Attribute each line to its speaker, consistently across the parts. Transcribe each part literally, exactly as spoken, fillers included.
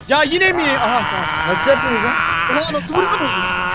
Speaker 1: Ya yine mi? Aha tamam.
Speaker 2: Nasıl yapıyoruz lan?
Speaker 1: Aha nasıl vuruyorsunuz?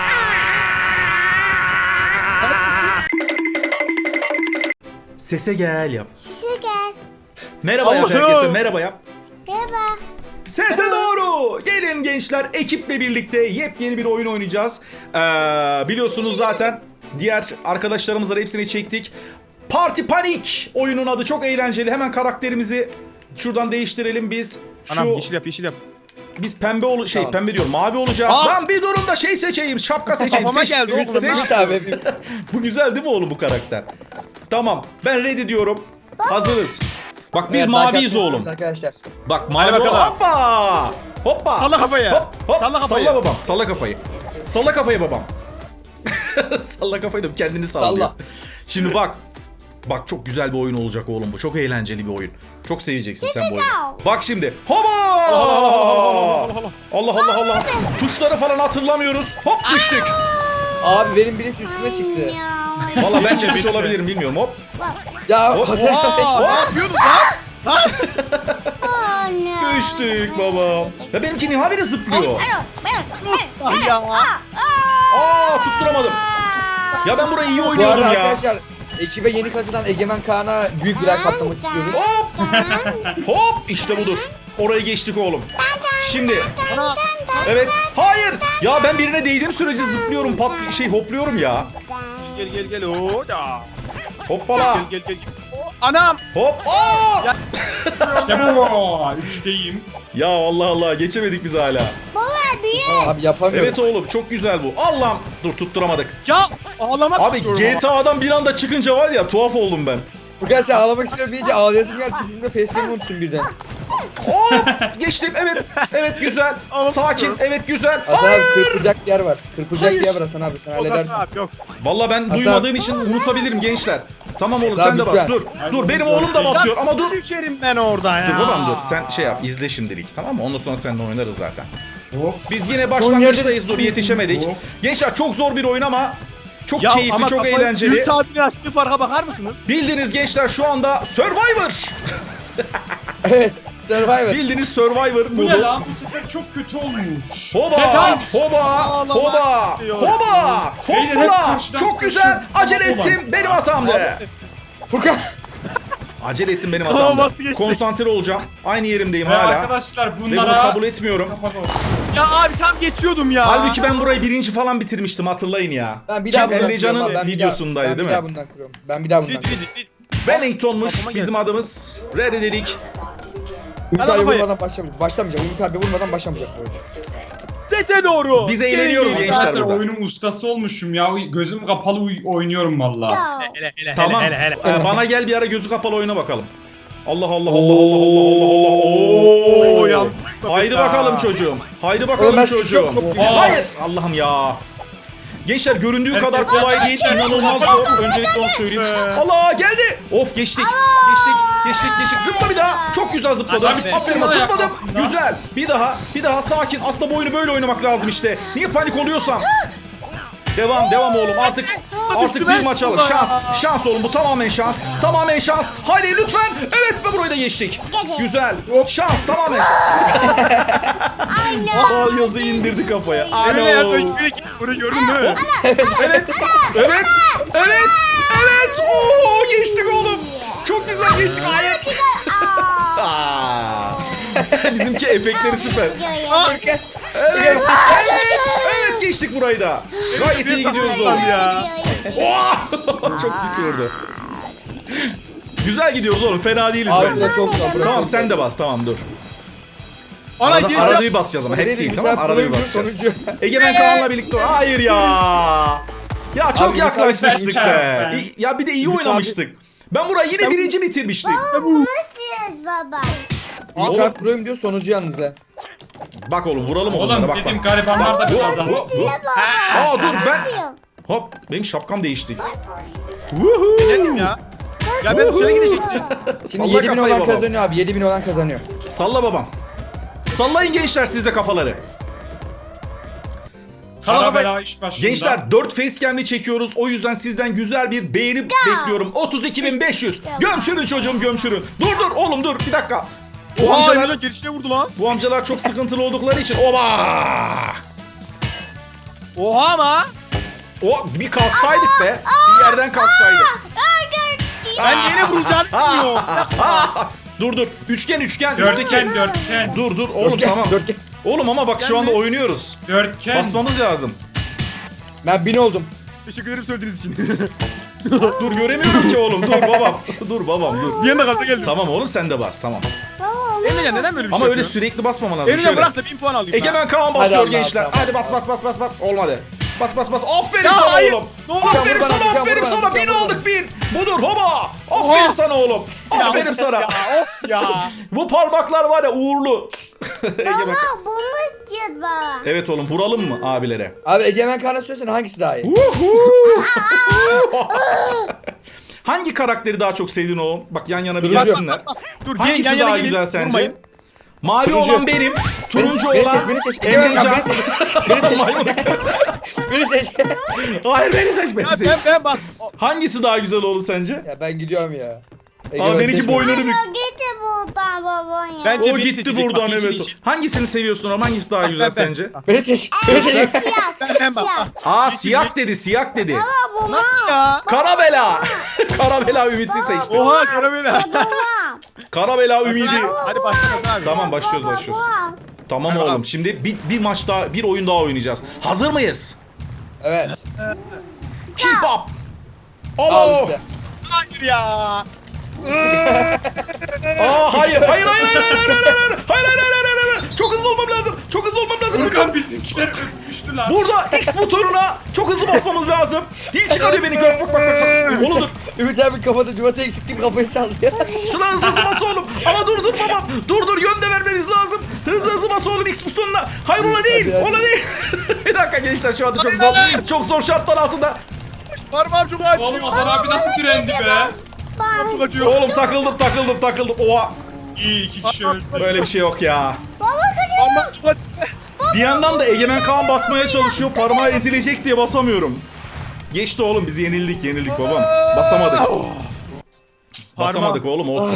Speaker 3: Sese gel yap.
Speaker 4: Sese gel.
Speaker 3: Merhaba yap
Speaker 1: Allah'ım.
Speaker 3: herkese, merhaba yap.
Speaker 4: Merhaba.
Speaker 3: Sese doğru. Gelin gençler, ekiple birlikte yepyeni bir oyun oynayacağız. Ee, biliyorsunuz zaten diğer arkadaşlarımızla hepsini çektik. Parti Panik oyunun adı, çok eğlenceli. Hemen karakterimizi şuradan değiştirelim biz. Şu
Speaker 1: Anam yeşil yap yeşil yap.
Speaker 3: biz pembe ol şey
Speaker 2: Tamam.
Speaker 3: pembe diyorum, mavi olacağız.
Speaker 1: Aa!
Speaker 3: Lan bir durun da şey seçeyim, şapka seçeyim.
Speaker 1: Kafama
Speaker 3: Seç-
Speaker 1: geldi oğlum.
Speaker 3: seç-
Speaker 2: Seç abi hepimiz.
Speaker 3: Bu güzel değil mi oğlum bu karakter? Tamam, ben ready diyorum. Hazırız. Bak biz
Speaker 2: Evet,
Speaker 3: maviyiz
Speaker 2: like
Speaker 3: oğlum.
Speaker 2: atmayı Arkadaşlar.
Speaker 3: Bak mavi
Speaker 1: bakalım.
Speaker 3: hoppa. Hoppa.
Speaker 1: Salla kafayı.
Speaker 3: Hop, hop.
Speaker 1: Salla kafayı.
Speaker 3: Salla babam. Salla kafayı. Salla kafayı babam. Salla kafayı da kendini sallıyor.
Speaker 2: Salla.
Speaker 3: Şimdi bak. Bak çok güzel bir oyun olacak oğlum bu. Çok eğlenceli bir oyun. Çok seveceksin sen bu oyunu. Bak şimdi. Hopa! Allah Allah Allah. Tuşları falan hatırlamıyoruz. Hop düştük.
Speaker 2: Abi benim birisi üstüme çıktı.
Speaker 3: Valla ben çıkmış olabilirim, bilmiyorum. Hop.
Speaker 2: Ya
Speaker 3: Hop,
Speaker 2: Hasan
Speaker 1: Aa,
Speaker 2: abi.
Speaker 1: ne yapıyorsunuz lan? Lan.
Speaker 3: Düştük babam. Ya benimki niye habire zıplıyor?
Speaker 1: Ah ya.
Speaker 3: Aa tutturamadım. Ya ben burayı iyi
Speaker 2: Bu
Speaker 3: oynuyordum
Speaker 2: arada
Speaker 3: ya.
Speaker 2: arkadaşlar ekibe yeni katılan Egemen Kaan'a büyük bir like patlaması istiyorum.
Speaker 3: Hop hop işte budur. Orayı geçtik oğlum. Şimdi
Speaker 1: Ana.
Speaker 3: evet, hayır. Ya ben birine değdiğim sürece zıplıyorum, pat şey hopluyorum ya.
Speaker 1: Gel gel gel. Oo da.
Speaker 3: Hoppala.
Speaker 1: Gel gel gel. Oo, anam.
Speaker 3: Hop. Aa!
Speaker 5: İşte bu. Üçteyim.
Speaker 3: Ya Allah Allah, geçemedik biz hala.
Speaker 4: Baba büyük.
Speaker 2: Abi yapamıyorum.
Speaker 3: Evet oğlum, çok güzel bu. Allah'ım. Dur tutturamadık.
Speaker 1: Ya ağlamak
Speaker 3: Abi
Speaker 1: istiyorum
Speaker 3: G T A'dan bir anda çıkınca var ya, tuhaf oldum ben.
Speaker 2: Bugün sen ağlamak istiyorum deyince ağlayasım geldi. Tipimde facecam'ı unuttum birden.
Speaker 3: Hop geçtim, evet. Evet güzel. Sakin, evet güzel.
Speaker 2: Hasan
Speaker 3: Ay!
Speaker 2: abi kırpacak bir yer var. Kırpacak
Speaker 3: Hayır.
Speaker 2: bir yer var Hasan abi, sen
Speaker 1: ama. Yok
Speaker 2: halledersin.
Speaker 1: abi yok.
Speaker 3: Vallahi ben
Speaker 2: Hasan.
Speaker 3: duymadığım için unutabilirim gençler. Tamam oğlum,
Speaker 2: Hasan
Speaker 3: sen de bas.
Speaker 2: lütfen.
Speaker 3: Dur.
Speaker 5: Hayır,
Speaker 3: Dur
Speaker 5: oğlum,
Speaker 3: benim
Speaker 5: dört
Speaker 3: oğlum da
Speaker 5: değil.
Speaker 3: basıyor ama dur.
Speaker 1: Düşerim ben orada ya.
Speaker 3: Dur babam dur, sen şey yap, izle şimdilik, tamam mı? Ondan sonra seninle oynarız zaten.
Speaker 5: Of.
Speaker 3: Biz yine
Speaker 2: Son
Speaker 3: başlangıçtayız,
Speaker 2: yerde-
Speaker 3: dur yetişemedik.
Speaker 5: Of.
Speaker 3: Gençler çok zor bir oyun ama çok
Speaker 1: Ya
Speaker 3: keyifli,
Speaker 1: ama
Speaker 3: çok
Speaker 1: kafayı-
Speaker 3: eğlenceli.
Speaker 1: Ümit abinin açtığı farka bakar mısınız?
Speaker 3: Bildiğiniz gençler şu anda Survivor.
Speaker 2: Evet. Survivor.
Speaker 3: Bildiğiniz Survivor
Speaker 5: Bu ne
Speaker 3: modu.
Speaker 5: lan? Bu sefer çok kötü olmuş.
Speaker 3: Hoba,
Speaker 5: Detaymış.
Speaker 3: hoba,
Speaker 1: Ağlamak
Speaker 3: hoba,
Speaker 1: istiyorum.
Speaker 3: hoba,
Speaker 5: Beyler hep
Speaker 3: hoppala.
Speaker 5: karşıdan
Speaker 3: Çok güzel.
Speaker 5: karşıdan
Speaker 3: Acele
Speaker 5: olan.
Speaker 3: ettim. Benim hatamdı.
Speaker 2: Furkan.
Speaker 3: Acele ettim, benim
Speaker 1: Tamam,
Speaker 3: hatamdı.
Speaker 1: bastı geçti.
Speaker 3: Konsantre olacağım. Aynı yerimdeyim
Speaker 5: Ve
Speaker 3: hala.
Speaker 5: arkadaşlar
Speaker 3: Ve bunu
Speaker 5: bunlara...
Speaker 3: kabul etmiyorum.
Speaker 5: Kapat
Speaker 1: Ya abi tam geçiyordum ya.
Speaker 3: Halbuki ben burayı birinci falan bitirmiştim, hatırlayın ya.
Speaker 2: Ben bir
Speaker 3: Kim?
Speaker 2: daha bundan
Speaker 3: Emrecan'ın
Speaker 2: kırıyorum abi, ben bir
Speaker 3: videosundaydı
Speaker 2: daha-
Speaker 3: değil
Speaker 2: Ben bir
Speaker 3: mi?
Speaker 2: daha bundan kırıyorum. Ben bir daha bundan
Speaker 1: Rid
Speaker 2: kırıyorum.
Speaker 1: rid rid.
Speaker 3: Wellington'muş
Speaker 1: Kafama
Speaker 3: bizim
Speaker 1: geldi.
Speaker 3: adımız. Ready dedik.
Speaker 2: Ümit
Speaker 1: Hadi
Speaker 2: abi
Speaker 1: kafayı.
Speaker 2: vurmadan başlamayacak. Başlamayacak. Ümit abi vurmadan başlamayacak bu oyun.
Speaker 1: Sese doğru.
Speaker 3: Biz eğleniyoruz
Speaker 1: Gelin.
Speaker 3: gençler
Speaker 5: Arkadaşlar
Speaker 3: burada.
Speaker 5: oyunun ustası olmuşum ya. Gözüm kapalı uy- oynuyorum valla.
Speaker 1: Hele hele
Speaker 3: Tamam.
Speaker 1: hele hele hele.
Speaker 3: Ee, bana gel bir ara gözü kapalı oyuna bakalım. Allah Allah Allah Allah Allah Allah Allah.
Speaker 1: Oo,
Speaker 3: Oo.
Speaker 1: ya.
Speaker 3: Haydi bakalım çocuğum. Haydi
Speaker 2: Oğlum
Speaker 3: bakalım
Speaker 2: ben
Speaker 3: çocuğum.
Speaker 2: sıkıyorum.
Speaker 3: Hayır. Allah'ım ya. Gençler göründüğü
Speaker 5: Herkes-
Speaker 3: kadar kolay değil. İnanılmaz zor. Öncelikle onu söyleyeyim. Allah geldi. Of geçtik. Geçtik. Geçtik geçtik. Zıpla bir daha. Çok güzel zıpladım.
Speaker 5: Abi,
Speaker 3: Aferin,
Speaker 5: zıpla ya,
Speaker 3: zıpladım.
Speaker 5: kapından.
Speaker 3: Güzel. Bir daha. Bir daha sakin. Aslında bu oyunu böyle oynamak lazım işte. Niye panik oluyorsam. Devam devam oğlum, artık artık bir maç alır. Şans şans oğlum, bu tamamen şans. Tamamen şans. Haydi lütfen. Evet ve burayı da geçtik. Güzel. Şans, tamamen şans. Bal yazı indirdi kafaya.
Speaker 1: Öyle ya.
Speaker 3: Ano.
Speaker 1: Bunu gördün mü?
Speaker 3: Evet. Evet. Evet. Evet. Oo geçtik oğlum. Çok güzel geçtik. Hayır. Aa. Bizimki efektleri süper. Evet. Evet. Evet geçtik burayı da. Gayet iyi gidiyoruz oğlum.
Speaker 1: Ya.
Speaker 3: Oh! Çok pis vurdu. Güzel gidiyoruz oğlum, fena değiliz
Speaker 2: Abi
Speaker 3: bence.
Speaker 2: de çok zor. burası
Speaker 3: Tamam
Speaker 2: çok
Speaker 3: sen
Speaker 2: zor.
Speaker 3: de bas, tamam dur.
Speaker 1: Ana
Speaker 3: Arada,
Speaker 1: geri
Speaker 3: arada bir basacağız ama hep
Speaker 2: Dedi,
Speaker 3: değil,
Speaker 2: Ümit
Speaker 3: tamam
Speaker 2: abi
Speaker 3: arada bir
Speaker 2: pro'ydu,
Speaker 3: basacağız.
Speaker 2: sonucu.
Speaker 3: Egemen Kaan'la birlikte. Hayır ya. Ya çok
Speaker 2: Abi,
Speaker 3: yaklaşmıştık
Speaker 5: Ümit abi,
Speaker 3: be.
Speaker 5: ben-
Speaker 3: İyi- Ya bir de iyi
Speaker 2: Ümit abi-
Speaker 3: oynamıştık. Ben burayı yine birinci bitirmiştim.
Speaker 4: Nasıl baba?
Speaker 2: Ümit
Speaker 3: Oğlum.
Speaker 2: abi pro'yum diyor, sonucu yalnız ha.
Speaker 3: Bak oğlum, vuralım onlara,
Speaker 5: Oğlum
Speaker 3: bak
Speaker 5: dedim
Speaker 3: bak.
Speaker 5: garibanlar da bir
Speaker 3: Hop,
Speaker 5: kazandı.
Speaker 3: hop, hop.
Speaker 4: Baba.
Speaker 3: Aa dur ben.
Speaker 4: Yapıyorum.
Speaker 3: Hop benim şapkam değişti.
Speaker 1: Dedim ya. Ya ben dışarı gidecektim.
Speaker 2: Şimdi
Speaker 3: Salla
Speaker 2: yedi bin
Speaker 3: kafayı
Speaker 2: olan
Speaker 3: babam.
Speaker 2: kazanıyor abi. yedi bin olan kazanıyor.
Speaker 3: Salla babam. Sallayın gençler siz de kafaları.
Speaker 5: Kara bela iş başında.
Speaker 3: Gençler dört facecam'li çekiyoruz. O yüzden sizden güzel bir beğeni bekliyorum. otuz iki bin beş yüz. Gömçürün çocuğum, gömçürün. Dur dur oğlum dur bir dakika. Bu
Speaker 1: Oha
Speaker 3: amcalar,
Speaker 1: Emrecan gelişine vurdu lan.
Speaker 3: bu amcalar çok sıkıntılı oldukları için. Oba!
Speaker 1: Oha ama.
Speaker 3: O bir kalksaydık be. Bir yerden kalksaydık.
Speaker 1: Ben yine vuracağım bilmiyorum.
Speaker 3: Dur dur. Üçgen üçgen. Üstteki.
Speaker 5: Dörtgen dörtgen.
Speaker 3: Dur dur oğlum
Speaker 2: Dörtgen,
Speaker 3: tamam.
Speaker 2: dörtgen.
Speaker 3: Oğlum ama bak şu anda oynuyoruz.
Speaker 5: Dörtgen.
Speaker 3: Basmamız lazım.
Speaker 2: Ben bin oldum.
Speaker 1: Teşekkür ederim söylediğiniz için.
Speaker 3: Dur göremiyorum ki oğlum. Dur babam. Dur babam dur.
Speaker 1: Bir anda gaza geldim.
Speaker 3: Tamam oğlum sen de bas tamam.
Speaker 1: Emrecan neden böyle bir
Speaker 3: Ama
Speaker 1: şey
Speaker 3: öyle
Speaker 1: yapıyorsun?
Speaker 3: sürekli basmaman lazım.
Speaker 1: Emrecan
Speaker 3: Şöyle.
Speaker 1: bırak da bin puan alayım.
Speaker 3: Egemen Kaan
Speaker 2: Hadi
Speaker 3: basıyor
Speaker 2: Allah,
Speaker 3: gençler.
Speaker 2: tamam.
Speaker 3: Hadi bas bas bas bas bas. Olmadı. Bas bas bas. Aferin
Speaker 1: Ya
Speaker 3: sana
Speaker 1: hayır.
Speaker 3: oğlum.
Speaker 1: Ne olur.
Speaker 3: Aferin
Speaker 2: Vur bana,
Speaker 3: sana
Speaker 2: vur
Speaker 3: aferin
Speaker 2: bana,
Speaker 3: sana.
Speaker 2: vur
Speaker 3: Bin
Speaker 2: bana.
Speaker 3: olduk bin. Budur hoba.
Speaker 1: Oha.
Speaker 3: Aferin sana oğlum. Aferin sana.
Speaker 1: Ya of ya.
Speaker 3: Bu parmaklar var ya uğurlu. Egemen
Speaker 4: Baba bunu istiyoruz baba.
Speaker 3: Evet oğlum vuralım mı abilere?
Speaker 2: Abi Egemen Kaan'a söylesene hangisi daha iyi?
Speaker 3: Hangi karakteri daha çok sevdin oğlum? Bak yan yana bir
Speaker 2: Bak,
Speaker 3: gelsinler.
Speaker 1: Dur
Speaker 3: Hangisi
Speaker 1: yan yana
Speaker 3: daha
Speaker 1: gelin,
Speaker 3: güzel sence?
Speaker 1: vurmayın.
Speaker 3: Mavi
Speaker 2: Turuncu.
Speaker 3: olan benim, turuncu
Speaker 2: Beni
Speaker 3: olan
Speaker 2: seç, beni seç. Egemen Kaan
Speaker 3: Emrecan.
Speaker 2: beni seç.
Speaker 3: Maymun.
Speaker 2: Beni seç.
Speaker 3: Hayır beni seç beni
Speaker 1: Ya
Speaker 3: seç.
Speaker 1: ben ben bak. O-
Speaker 3: Hangisi daha güzel oğlum sence?
Speaker 2: Ya ben gidiyorum ya.
Speaker 3: Aa benimki
Speaker 2: seçme.
Speaker 3: boynunu bük.
Speaker 4: Ya git buradan baba ya.
Speaker 1: Ben-
Speaker 3: O
Speaker 1: Beni
Speaker 3: gitti
Speaker 1: seçecek,
Speaker 3: buradan
Speaker 1: bak, yeşil,
Speaker 3: evet.
Speaker 1: yeşil.
Speaker 3: Hangisini seviyorsun oğlum? Hangisi daha güzel
Speaker 1: ben, ben.
Speaker 3: sence?
Speaker 2: Beni seç. Beni seç.
Speaker 4: Siyah.
Speaker 1: Ben ben bak.
Speaker 4: Siyah.
Speaker 1: ah.
Speaker 3: Aa
Speaker 1: Yeşil,
Speaker 3: siyah
Speaker 1: yeşil.
Speaker 3: dedi, siyah dedi.
Speaker 4: Baba
Speaker 1: Nasıl ya?
Speaker 3: Karabela. Karabela Ümit'i seçti.
Speaker 1: Oha karamela.
Speaker 4: baba.
Speaker 3: Karabela Ümidi.
Speaker 1: Hadi başla Hasan abi.
Speaker 3: Tamam başlıyoruz
Speaker 4: Baba,
Speaker 3: başlıyoruz.
Speaker 4: baba.
Speaker 3: Tamam
Speaker 1: Tamam.
Speaker 3: oğlum şimdi bir, bir maç daha, bir oyun daha oynayacağız. Hazır mıyız?
Speaker 2: Evet.
Speaker 3: Keep up.
Speaker 2: Al
Speaker 3: Alo.
Speaker 2: işte.
Speaker 1: Hayır ya.
Speaker 3: Aa hayır hayır hayır hayır hayır hayır hayır hayır hayır hayır hayır hayır hayır çok hızlı olmam lazım çok hızlı olmam lazım
Speaker 5: Furkan bizimkiler öpmüştü lan.
Speaker 3: burada X butonuna çok hızlı basmamız lazım dil çıkarıyor beni bak bak bak bak oğlum dur
Speaker 2: Ümit abi kafada cumata eksik gibi kafayı sallıyor.
Speaker 3: şuna hızlı hızlı bas oğlum ama dur dur babam dur dur yön de vermemiz lazım hızlı hızlı bas oğlum X butonuna hayır ona değil
Speaker 2: Hadi, hadi.
Speaker 3: ona değil bir dakika gençler şu anda çok zor çok zor şartlar altında
Speaker 1: Parmağım çok acıyor.
Speaker 5: Oğlum Hasan abi nasıl direndi be?
Speaker 4: Baba.
Speaker 1: Çok acıyor.
Speaker 3: oğlum takıldım takıldım takıldım oha
Speaker 5: İyi iki kişi öldü.
Speaker 3: böyle bir şey yok ya
Speaker 1: Parmağım çok acıyor.
Speaker 3: bir yandan da Egemen Kaan basmaya çalışıyor parmağı ezilecek diye basamıyorum. Geçti oğlum biz yenildik yenildik babam. Basamadık. Basamadık oğlum olsun.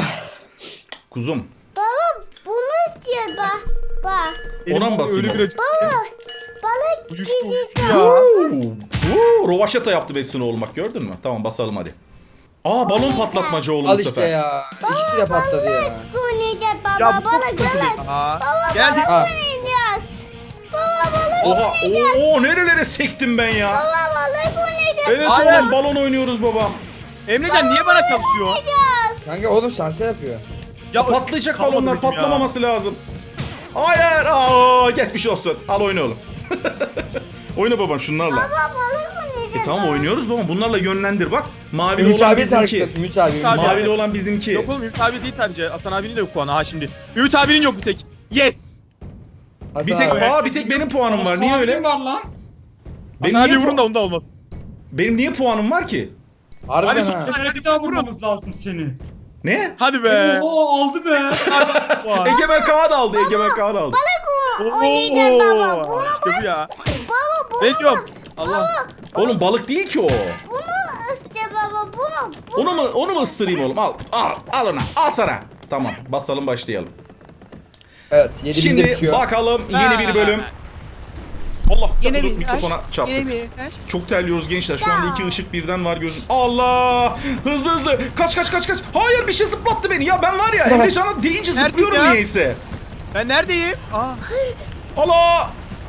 Speaker 3: Kuzum.
Speaker 4: Baba bunu istiyoruz bak. Bak.
Speaker 3: Ona mı basayım
Speaker 1: Öyle
Speaker 3: oğlum?
Speaker 1: bir acı.
Speaker 4: Baba. Balık
Speaker 1: Uyuştu uyuştu
Speaker 4: gidecek.
Speaker 1: ya.
Speaker 3: Oo, rovaşata yaptım hepsini oğlum bak gördün mü? Tamam basalım hadi. Aa balon patlatmaca oğlum
Speaker 2: Al
Speaker 3: bu
Speaker 2: işte
Speaker 3: sefer.
Speaker 2: ya. İkisi de patladı ya.
Speaker 4: Oynayacağız baba.
Speaker 1: Ya bu çok
Speaker 4: Balık
Speaker 1: sıkıntı.
Speaker 4: balık.
Speaker 1: Aa.
Speaker 4: Baba
Speaker 1: Geldik.
Speaker 4: balık
Speaker 2: Ha.
Speaker 4: oynayacağız. Baba balık
Speaker 3: Oha
Speaker 4: oynayacağız.
Speaker 3: oo, oo nerelere sektim ben ya.
Speaker 4: Baba balık oynayacağız.
Speaker 3: Evet
Speaker 1: Hayır.
Speaker 3: oğlum balon oynuyoruz babam.
Speaker 1: Emrecan niye bana çalışıyor?
Speaker 4: Oynayacağız.
Speaker 2: Kanka oğlum şansa yapıyor.
Speaker 1: Ya
Speaker 3: Patlayacak
Speaker 1: kalmadı
Speaker 3: balonlar
Speaker 1: dedim ya.
Speaker 3: patlamaması lazım. Hayır aa geçmiş olsun. Al oyna oğlum. Oyna babam şunlarla.
Speaker 4: Baba balık oynayacağız.
Speaker 3: E tamam oynuyoruz babam bunlarla yönlendir bak. Mavili
Speaker 2: Ümit
Speaker 3: olan
Speaker 2: abi
Speaker 3: bizimki.
Speaker 2: takip Ümit abi. Ümit
Speaker 1: abi.
Speaker 2: abi.
Speaker 3: Mavili olan bizimki.
Speaker 1: Yok oğlum Ümit abi değil sadece. Hasan abinin de yok puanı ha şimdi. Ümit abinin yok bir tek. Yes.
Speaker 2: Hasan
Speaker 3: Bir tek
Speaker 2: abi.
Speaker 3: aa bir tek benim puanım var. Niye
Speaker 5: Hasan
Speaker 3: öyle?
Speaker 5: abi var lan.
Speaker 3: Benim
Speaker 1: Hasan
Speaker 3: niye,
Speaker 1: abi vurun
Speaker 3: pu-
Speaker 1: da onda olmaz.
Speaker 3: benim niye puanım var ki?
Speaker 2: Harbiden
Speaker 1: Hadi
Speaker 2: ha.
Speaker 1: git.
Speaker 5: Hadi bir daha vurmamız lazım seni.
Speaker 3: Ne?
Speaker 1: Hadi be.
Speaker 5: Oo aldı be.
Speaker 1: Puan.
Speaker 3: Egemen Kaan aldı. Egemen Kaan aldı.
Speaker 4: Balık oynayacağız baba. Bunu
Speaker 1: İşte bu ya.
Speaker 4: baba bunu.
Speaker 1: Ne diyorum? Allah.
Speaker 3: Oğlum balık değil ki o.
Speaker 4: Bunu iste baba. Bunu. bunu.
Speaker 3: Onu mu onu mu ısırayım oğlum? Al. Al. Al ona. Al sana. Tamam. Basalım başlayalım.
Speaker 2: Evet. Yedi binde
Speaker 3: Şimdi
Speaker 2: bitiyor.
Speaker 3: bakalım yeni bir bölüm. Allah
Speaker 1: Yine
Speaker 3: dur,
Speaker 1: mi?
Speaker 3: mikrofona çarptık.
Speaker 1: Yine mi?
Speaker 3: Çok terliyoruz gençler. Şu anda iki ışık birden var gözüm. Allah! Hızlı hızlı. Kaç kaç kaç kaç. Hayır bir şey zıplattı beni. Ya ben var ya Emrecan'a deyince
Speaker 1: Nerede
Speaker 3: zıplıyorum
Speaker 1: ya?
Speaker 3: niyeyse.
Speaker 1: Ben neredeyim? Aa.
Speaker 3: Allah!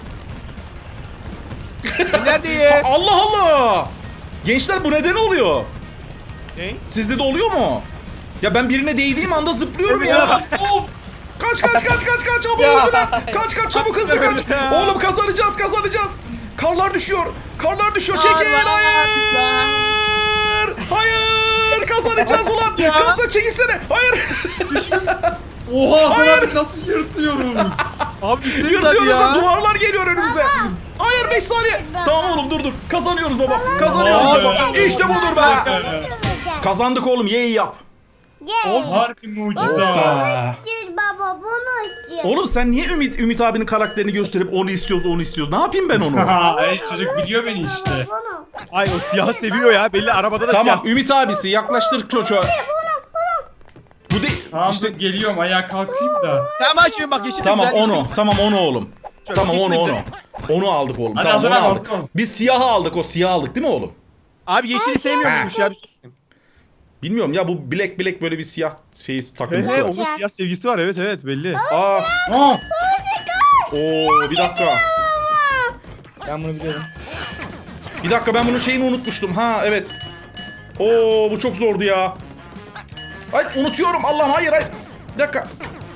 Speaker 1: Ben neredeyim?
Speaker 3: Allah Allah! Gençler bu neden oluyor?
Speaker 1: Ne?
Speaker 3: Sizde de oluyor mu? Ya ben birine değdiğim anda zıplıyorum ya.
Speaker 5: Of.
Speaker 3: Kaç kaç kaç kaç kaç çabuk
Speaker 2: Ya.
Speaker 3: öldüler. Kaç kaç çabuk hızlı kaç. Oğlum kazanacağız kazanacağız. Karlar düşüyor. Karlar düşüyor. Çekil.
Speaker 1: Allah.
Speaker 3: Hayır. Hayır. Kazanacağız ulan.
Speaker 1: Ya.
Speaker 3: Kazan çekilsene. Hayır.
Speaker 5: Oha Hasan
Speaker 3: Hayır.
Speaker 5: abi nasıl yırtıyoruz?
Speaker 1: Abi bittiniz hadi
Speaker 3: Yırtıyoruz
Speaker 1: ya.
Speaker 3: ya. Duvarlar geliyor önümüze. Hayır beş saniye. Tamam oğlum dur dur. Kazanıyoruz baba. Kazanıyoruz
Speaker 1: Aa,
Speaker 3: baba. İşte budur be.
Speaker 4: Oynayacağız.
Speaker 3: Kazandık oğlum. Yeyi yap.
Speaker 4: Gel.
Speaker 5: Harbi mucize.
Speaker 3: Hoppa.
Speaker 4: İstiyoruz baba. Bunu istiyoruz.
Speaker 3: Oğlum sen niye Ümit Ümit abinin karakterini gösterip onu istiyoruz onu istiyoruz? Ne yapayım ben onu?
Speaker 5: Ha, evet çocuk biliyor beni işte.
Speaker 4: Baba bunu.
Speaker 1: Ay o siyah seviyor ya. Belli arabada da
Speaker 3: Tamam
Speaker 1: siyah.
Speaker 3: Ümit abisi yaklaştır çocuğa. Bu değil.
Speaker 5: Tamam
Speaker 3: işte
Speaker 5: dur geliyorum ayağa kalkayım da.
Speaker 1: Tamam açıyorum bak yeşil.
Speaker 3: tamam
Speaker 1: güzel,
Speaker 3: onu.
Speaker 1: yeşil.
Speaker 3: Tamam onu oğlum.
Speaker 1: Şöyle
Speaker 3: Tamam
Speaker 1: yeşil
Speaker 3: onu onu.
Speaker 1: güzel.
Speaker 3: Onu aldık oğlum.
Speaker 5: Hadi
Speaker 3: Tamam
Speaker 5: Hasan
Speaker 3: onu
Speaker 5: abi,
Speaker 3: aldık.
Speaker 5: bakalım.
Speaker 3: Biz siyahı aldık. O siyahı aldık değil mi oğlum?
Speaker 1: Abi yeşili sevmiyormuş ya.
Speaker 3: Bilmiyorum ya bu black black böyle bir siyah şey
Speaker 1: He
Speaker 3: takıntısı
Speaker 1: he
Speaker 3: var.
Speaker 1: onun siyah sevgisi var evet evet belli.
Speaker 3: Aa,
Speaker 5: Aa,
Speaker 3: oo bir dakika.
Speaker 2: Ben bunu biliyorum.
Speaker 3: Bir dakika ben bunun şeyini unutmuştum. Ha evet. Oo bu çok zordu ya. Ay unutuyorum Allah'ım hayır hayır. Bir dakika.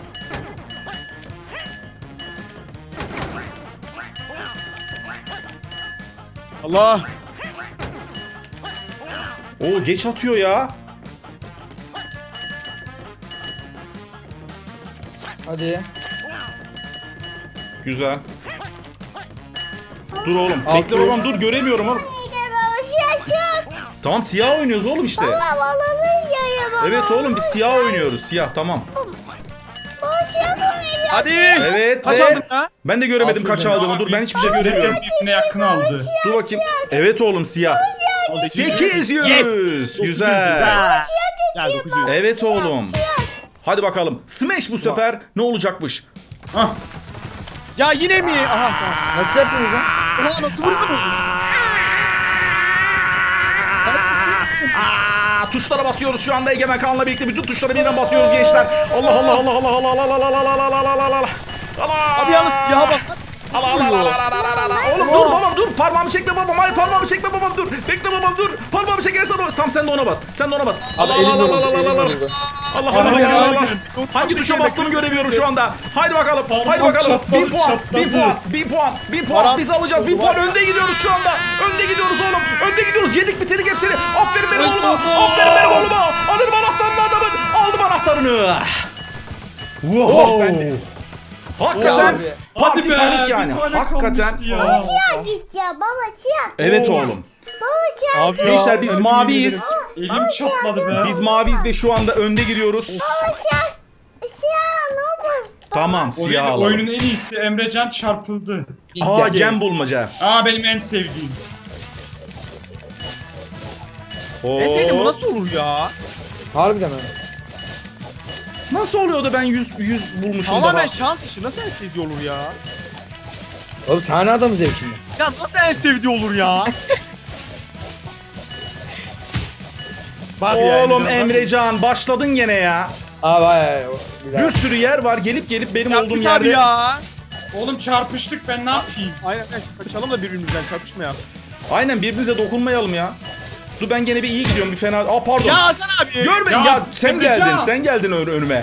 Speaker 1: Allah.
Speaker 3: Oo geç atıyor ya.
Speaker 2: Hadi.
Speaker 3: Güzel. Dur oğlum.
Speaker 2: Altı.
Speaker 3: Bekle babam dur göremiyorum oğlum.
Speaker 4: Gel baba siyah siyah.
Speaker 3: Tamam siyah oynuyoruz oğlum işte.
Speaker 4: Baba balığı ya baba.
Speaker 3: Evet oğlum biz siyah oynuyoruz. Siyah tamam.
Speaker 4: Baba siyah oynuyor.
Speaker 1: Hadi.
Speaker 3: Evet
Speaker 1: Kaç
Speaker 3: ve
Speaker 1: aldın ya?
Speaker 3: ben de göremedim
Speaker 2: Altı
Speaker 3: kaç
Speaker 2: mı?
Speaker 3: aldığımı. Dur ben hiçbir şey göremiyorum.
Speaker 5: birbirine yakın aldı.
Speaker 3: Dur bakayım. Evet oğlum siyah. sekiz yüz. Güzel.
Speaker 1: Gel dokuz yüz.
Speaker 3: Evet oğlum. Hadi bakalım. Smash bu sefer ne olacakmış?
Speaker 5: Hah.
Speaker 1: Ya yine mi? Aha tamam.
Speaker 2: Nasıl yapıyoruz lan?
Speaker 1: Ulan nasıl vurdun?
Speaker 3: Aa, tuşlara basıyoruz şu anda Egemen Kaan'la birlikte bütün tuşlara birden basıyoruz gençler. Allah Allah Allah Allah Allah Allah Allah Allah Allah Allah Allah Allah Allah Allah.
Speaker 1: Abi yalnız siyaha bak.
Speaker 3: Allah Allah Allah Allah Allah Allah. Oğlum dur babam dur. Parmağımı çekme babam. Hayır parmağımı çekme babam dur. Bekle babam dur. Parmağımı çekersen o. Tam sen de ona bas. Sen de ona bas.
Speaker 2: Abi
Speaker 3: Allah
Speaker 2: elim
Speaker 3: Allah Allah
Speaker 2: yoruldu,
Speaker 3: Allah
Speaker 2: elim
Speaker 3: Allah.
Speaker 2: yoruldu.
Speaker 3: Allah Allah
Speaker 5: Hayır,
Speaker 3: Allah Allah.
Speaker 5: hayır.
Speaker 3: Hangi tuşa bastığımı göremiyorum şu anda. Haydi bakalım. Haydi
Speaker 5: Parmağım
Speaker 3: bakalım.
Speaker 5: çatladı,
Speaker 3: bin puan. bin
Speaker 5: çatladı.
Speaker 3: puan. bin puan. bin puan.
Speaker 1: Param-
Speaker 3: Biz alacağız. bin puan. Önde gidiyoruz şu anda. Önde gidiyoruz oğlum. Önde gidiyoruz. Yedik bitirdik hepsini. Aferin benim oğluma. Aferin benim oğluma. Alırım anahtarını adamın. Aldım anahtarını. Wow. Hakikaten
Speaker 2: Abi.
Speaker 3: parti
Speaker 5: Hadi be,
Speaker 3: panik yani.
Speaker 5: bir tane
Speaker 3: Hakikaten.
Speaker 5: kalmıştı ya.
Speaker 4: Siyah gideceğim baba siyah.
Speaker 3: Evet oğlum.
Speaker 4: Baba siyah.
Speaker 1: Abi ya,
Speaker 3: Gençler biz
Speaker 1: ölüm
Speaker 3: maviyiz.
Speaker 5: Elim çatladı be.
Speaker 3: Biz maviyiz ve şu anda önde gidiyoruz.
Speaker 4: Baba siyah. Siyah ne olur.
Speaker 3: Tamam siyah
Speaker 5: Oyun,
Speaker 3: alalım.
Speaker 5: oyunun en iyisi Emrecan çarpıldı.
Speaker 3: Aa
Speaker 2: Gel.
Speaker 3: gem bulmaca.
Speaker 5: Aa benim en sevdiğim.
Speaker 1: E senin bu
Speaker 3: Oo.
Speaker 1: nasıl olur ya?
Speaker 2: Harbiden mi?
Speaker 3: Nasıl oluyordu ben yüz yüz bulmuşum daha.
Speaker 1: Tamamen şans işi. Nasıl en sevdiği olur ya?
Speaker 2: Oğlum sahne adamı zevkinde.
Speaker 1: Ya nasıl en sevdiği olur ya? Bak ya,
Speaker 3: Oğlum
Speaker 1: Emrecan, bak.
Speaker 3: Emrecan başladın gene ya.
Speaker 2: Abi hayır hayır. Bir daha.
Speaker 3: Bir sürü yer var gelip gelip benim
Speaker 1: Yapmış
Speaker 3: olduğum
Speaker 1: abi
Speaker 3: yerde.
Speaker 1: ya.
Speaker 5: Oğlum çarpıştık ben ne yapayım?
Speaker 1: Aynen aynen. Kaçalım da birbirimizden çarpışma ya.
Speaker 3: Aynen birbirimize dokunmayalım ya. Dur ben gene bir iyi gidiyorum bir fena. Aa pardon.
Speaker 1: Ya Hasan abi.
Speaker 3: Görme ya,
Speaker 5: Ya,
Speaker 3: sen
Speaker 5: Emrecan.
Speaker 3: geldin sen geldin ön- önüme.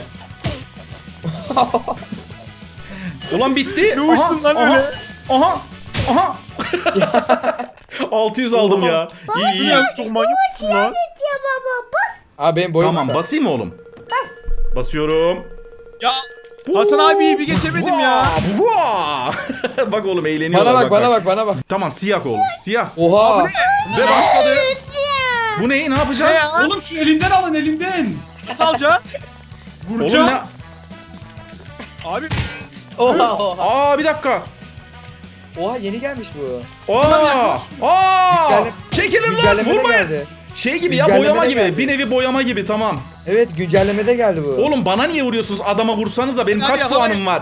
Speaker 3: Ulan bitti.
Speaker 1: Ne uçtun lan öyle?
Speaker 3: Aha. Aha. altı yüz aldım ya. İyi iyi.
Speaker 1: Ya çok manyakmışsın lan.
Speaker 4: Gideceğim baba bas.
Speaker 2: Abi benim boyum
Speaker 3: Tamam
Speaker 2: kısa.
Speaker 3: basayım mı oğlum? Basıyorum.
Speaker 1: Ya Hasan abiyi bir geçemedim ya.
Speaker 3: Vaa! Bak oğlum eğleniyorlar.
Speaker 2: Bana bak bana bak bana bak.
Speaker 3: Tamam siyah oğlum siyah.
Speaker 2: Oha.
Speaker 3: Ve başladı.
Speaker 4: Gideceğim.
Speaker 3: Bu ne? Ne yapacağız?
Speaker 1: Ne ya?
Speaker 5: Oğlum şu elinden alın elinden.
Speaker 1: Nasıl alacaksın?
Speaker 3: Oğlum
Speaker 5: Vuracağım.
Speaker 3: ne?
Speaker 1: Abi
Speaker 2: Oha oha.
Speaker 3: Aa bir dakika.
Speaker 2: Oha yeni gelmiş bu.
Speaker 3: Aa! Aa!
Speaker 2: Güncelle-
Speaker 3: Çekilin lan
Speaker 2: Güncellemede
Speaker 3: vurmayın.
Speaker 2: geldi.
Speaker 3: Şey gibi ya
Speaker 2: Güncellemede
Speaker 3: boyama gibi.
Speaker 2: geldi.
Speaker 3: Bir nevi boyama gibi tamam.
Speaker 2: Evet güncellemede geldi bu.
Speaker 3: Oğlum bana niye vuruyorsunuz? Adama vursanız da benim
Speaker 1: Hadi
Speaker 3: kaç
Speaker 1: yakalayın.
Speaker 3: puanım var?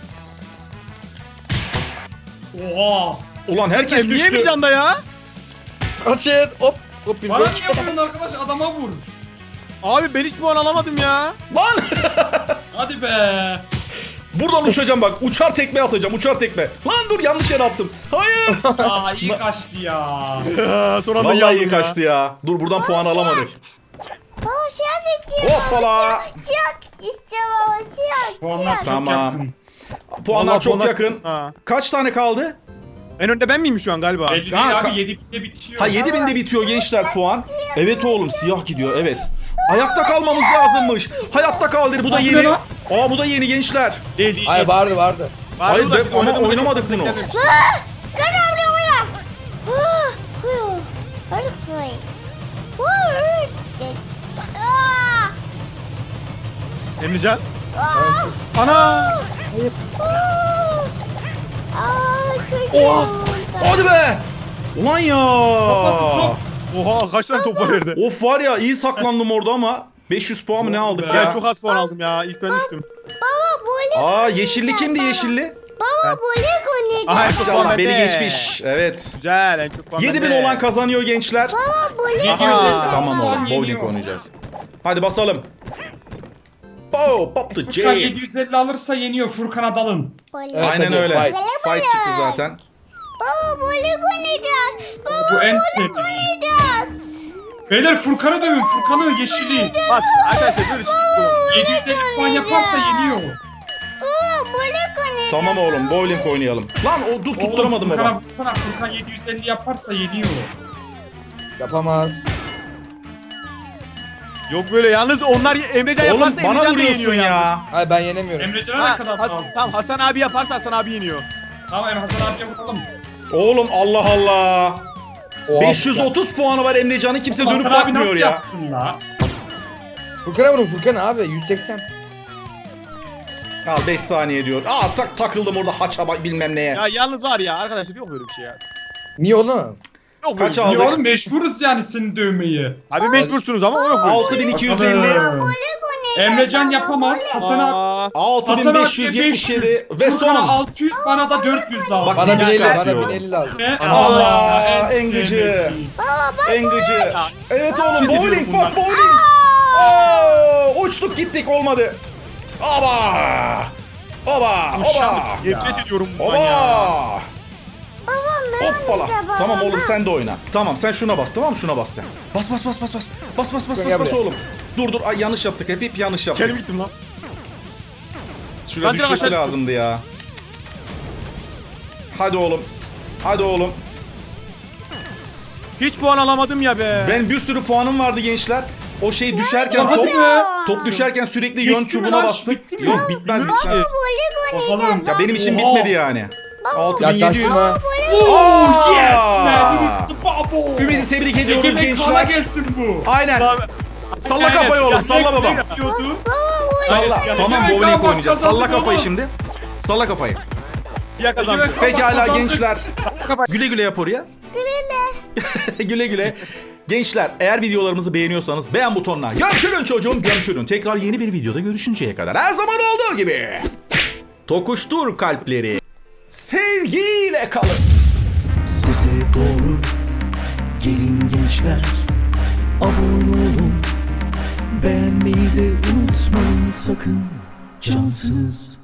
Speaker 5: Oha.
Speaker 3: Ulan herkes
Speaker 1: niye
Speaker 3: düştü.
Speaker 1: bir canda ya?
Speaker 2: Açın hop. Hop bir
Speaker 5: Bana
Speaker 2: bak.
Speaker 5: niye vuruyorsun arkadaş adama vur.
Speaker 1: Abi ben hiç puan alamadım ya.
Speaker 3: Lan!
Speaker 5: Hadi be.
Speaker 3: Buradan uçacağım bak. Uçar tekme atacağım. Uçar tekme. Lan dur yanlış yere attım. Hayır.
Speaker 5: Aa iyi kaçtı ya.
Speaker 1: Son anda
Speaker 3: Vallahi iyi
Speaker 1: yandım
Speaker 3: kaçtı ya. Dur buradan puan alamadık.
Speaker 4: Baba siyah gideceğim.
Speaker 3: Hoppala.
Speaker 4: Siyah gideceğim baba siyah.
Speaker 5: Puanlar
Speaker 4: Siyah.
Speaker 5: çok
Speaker 3: Tamam.
Speaker 5: yakın.
Speaker 3: Puanlar
Speaker 1: Vallahi
Speaker 3: çok
Speaker 1: puanlar-
Speaker 3: yakın.
Speaker 1: Ha.
Speaker 3: Kaç tane kaldı?
Speaker 1: En önde ben miyim şu an galiba?
Speaker 5: Belli
Speaker 3: Ha,
Speaker 5: değil
Speaker 3: ka-
Speaker 5: abi yedi binde bitiyor.
Speaker 3: Ha yedi binde bitiyor gençler puan. Evet oğlum siyah gidiyor evet. Ayakta kalmamız lazımmış. Hayatta kaldır bu da
Speaker 5: Hadi
Speaker 3: yeni.
Speaker 5: lan.
Speaker 3: Aa bu da yeni gençler.
Speaker 1: Değil değil.
Speaker 2: Hayır vardı vardı.
Speaker 1: Var
Speaker 3: Hayır,
Speaker 1: mı da
Speaker 3: ben-
Speaker 1: biz
Speaker 3: ama
Speaker 1: oynadığımızda
Speaker 3: oynamadık
Speaker 1: çok
Speaker 3: bunu.
Speaker 1: denk gelmemiş.
Speaker 4: Gel buraya buraya. Ah, huh. Hadi say. Huh. Ah.
Speaker 1: Emrecan.
Speaker 4: Ah.
Speaker 1: Ana.
Speaker 2: Hayır.
Speaker 4: Ah. Ah, kötü
Speaker 2: Oha.
Speaker 4: oldu.
Speaker 3: Hadi be. Ulan ya.
Speaker 1: Oha kaç tane top var yerde.
Speaker 3: Of var ya iyi saklandım orada ama beş yüz puan mı ne aldık
Speaker 1: Ben
Speaker 3: ya?
Speaker 1: çok az puan aldım ya. İlk ben düştüm.
Speaker 4: Baba bowling.
Speaker 3: Aa yeşilli kimdi yeşilli?
Speaker 4: Baba bowling
Speaker 1: Aha,
Speaker 4: oynayacağız.
Speaker 1: en çok puan
Speaker 3: Maşallah beni
Speaker 1: bende.
Speaker 3: geçmiş. Evet.
Speaker 1: Güzel en çok puan
Speaker 3: yedi bin
Speaker 1: bende.
Speaker 3: olan kazanıyor gençler.
Speaker 4: Baba bowling
Speaker 1: Aha.
Speaker 4: oynayacağız.
Speaker 3: Tamam
Speaker 5: puan
Speaker 3: oğlum bowling
Speaker 5: yeniyor.
Speaker 3: oynayacağız. Hadi basalım. Pow, pop the
Speaker 5: Furkan
Speaker 3: J.
Speaker 5: yedi yüz elli alırsa yeniyor. Furkan'a dalın.
Speaker 4: Bowling.
Speaker 2: Evet,
Speaker 3: Aynen
Speaker 2: hadi,
Speaker 3: öyle.
Speaker 2: fight.
Speaker 3: Fight çıktı zaten.
Speaker 4: Baba bowling oynayacağız. Baba
Speaker 5: Bu en
Speaker 4: bowling
Speaker 5: sevdiğim.
Speaker 4: oynayacağız.
Speaker 5: Beyler Furkan'ı dövün. Furkan'ı yeşili.
Speaker 1: Bak arkadaşlar böyle çıktı.
Speaker 5: yedi yüz elli puan yaparsa yeniyor.
Speaker 4: Baba bowling oynayacağız.
Speaker 3: Tamam oğlum bowling oynayalım. Lan o dur tutturamadım
Speaker 5: Oğlum, Furkan'a
Speaker 3: baba.
Speaker 5: vursana. Furkan yedi yüz elli yaparsa yeniyor.
Speaker 2: Yapamaz.
Speaker 1: Yok böyle yalnız onlar Emrecan
Speaker 3: Oğlum
Speaker 1: yaparsa
Speaker 3: bana
Speaker 1: Emrecan da
Speaker 3: vuruyorsun
Speaker 1: yeniyor yalnız.
Speaker 3: ya.
Speaker 2: Hayır ben yenemiyorum.
Speaker 5: Emrecan'a
Speaker 1: Ha,
Speaker 5: ne kadar
Speaker 1: Has-
Speaker 5: lazım?
Speaker 1: tamam Hasan abi yaparsa Hasan abi yeniyor.
Speaker 5: Tamam Em Hasan abiye vuralım.
Speaker 3: Oğlum Allah Allah.
Speaker 2: Oha,
Speaker 3: beş yüz otuz puanı var Emrecan'ın kimse dönüp
Speaker 5: Hasan abi
Speaker 3: bakmıyor
Speaker 5: nasıl
Speaker 3: ya.
Speaker 5: yapsın la?
Speaker 2: Furkan'a vurun Furkan abi yüz seksen.
Speaker 3: Al beş saniye diyor. Aa tak takıldım orada haça bak bilmem neye.
Speaker 1: Ya yalnız var ya arkadaşlar yok böyle bir şey ya.
Speaker 2: Niye oğlum?
Speaker 1: Yok
Speaker 3: Kaç
Speaker 1: böyle bir şey.
Speaker 5: Ya
Speaker 3: aldık?
Speaker 5: oğlum mecburuz yani seni dövmeyi.
Speaker 1: Abi mecbursunuz ama yok böyle bir şey.
Speaker 3: altı bin iki yüz elli.
Speaker 4: Bowling oynayacağız.
Speaker 5: Emrecan yapamaz. Hasan abi.
Speaker 1: Aa,
Speaker 3: altı bin
Speaker 5: Hasan
Speaker 3: beş yüz
Speaker 5: abiye
Speaker 3: yetmiş yedi
Speaker 5: beş yüz.
Speaker 3: ve
Speaker 5: Furkan'a
Speaker 3: son.
Speaker 5: altı yüz bana da dört yüz lazım.
Speaker 3: Bak,
Speaker 2: Bana bin elli,
Speaker 3: çıkartıyor.
Speaker 2: bana bin elli lazım.
Speaker 5: Ne?
Speaker 2: Ana.
Speaker 3: Allah,
Speaker 5: en
Speaker 3: en gıcı.
Speaker 5: sevmediğim.
Speaker 4: Baba bak.
Speaker 3: En gıcı. Evet oğlum
Speaker 1: Nefret
Speaker 3: bowling
Speaker 1: ediyorum
Speaker 3: bak bowling. Oo, uçtuk gittik olmadı. Oba. Oba. Oba.
Speaker 1: nefret ediyorum bundan ya.
Speaker 3: Oba.
Speaker 4: Babam ben
Speaker 3: Hoppala.
Speaker 4: oynayacağım.
Speaker 3: Tamam
Speaker 4: baba.
Speaker 3: oğlum sen de oyna. Tamam sen şuna bas tamam mı? Şuna bas sen. Bas bas bas bas bas. Bas bas bas
Speaker 2: Gel
Speaker 3: bas bas
Speaker 2: buraya.
Speaker 3: oğlum. Dur dur ay yanlış yaptık hep hep yanlış yaptık.
Speaker 1: Kendim gittim lan.
Speaker 3: Şuraya
Speaker 1: Ben
Speaker 3: düşmesi
Speaker 1: direkt aşağı
Speaker 3: lazımdı ya. Hadi oğlum. Hadi oğlum.
Speaker 1: Hiç puan alamadım ya be.
Speaker 3: Ben bir sürü puanım vardı gençler. O şey düşerken
Speaker 5: Hadi
Speaker 3: top
Speaker 5: be.
Speaker 3: top düşerken sürekli
Speaker 5: Bitti
Speaker 3: yön
Speaker 5: mi
Speaker 3: çubuğuna
Speaker 5: lan?
Speaker 3: bastık.
Speaker 5: Bitti mi?
Speaker 3: Yok bitmez
Speaker 1: Bitti.
Speaker 3: bitmez.
Speaker 4: Bowling oynayacağız.
Speaker 5: Bakalım.
Speaker 3: Ya benim için
Speaker 5: Oha.
Speaker 3: bitmedi yani. altı bin yedi yüz.
Speaker 2: Yaklaşma.
Speaker 5: Oh yes
Speaker 3: Aa.
Speaker 5: man. It's the bubble.
Speaker 3: Ümidi tebrik ediyoruz
Speaker 5: Egemen kana
Speaker 3: gençler.
Speaker 5: gelsin bu.
Speaker 3: Aynen.
Speaker 1: Abi,
Speaker 3: Salla kafayı oğlum salla baba.
Speaker 5: Yapıyordu.
Speaker 3: Salla.
Speaker 1: Evet,
Speaker 3: Tamam
Speaker 5: evet.
Speaker 3: bowling
Speaker 5: Evet,
Speaker 3: oynayacağız. Salla
Speaker 5: kazandık
Speaker 3: kafayı
Speaker 5: oğlum.
Speaker 3: şimdi. Salla kafayı.
Speaker 1: Ya kazandım.
Speaker 3: Pekala gençler. Güle güle yap oraya.
Speaker 4: Güle.
Speaker 3: güle güle. Gençler eğer videolarımızı beğeniyorsanız beğen butonuna görüşürün çocuğum görüşürün. Tekrar yeni bir videoda görüşünceye kadar her zaman olduğu gibi. Tokuştur kalpleri. Sevgiyle kalın.
Speaker 6: Size doğru gelin gençler, abone olun, beğenmeyi de unutmayın sakın, cansız.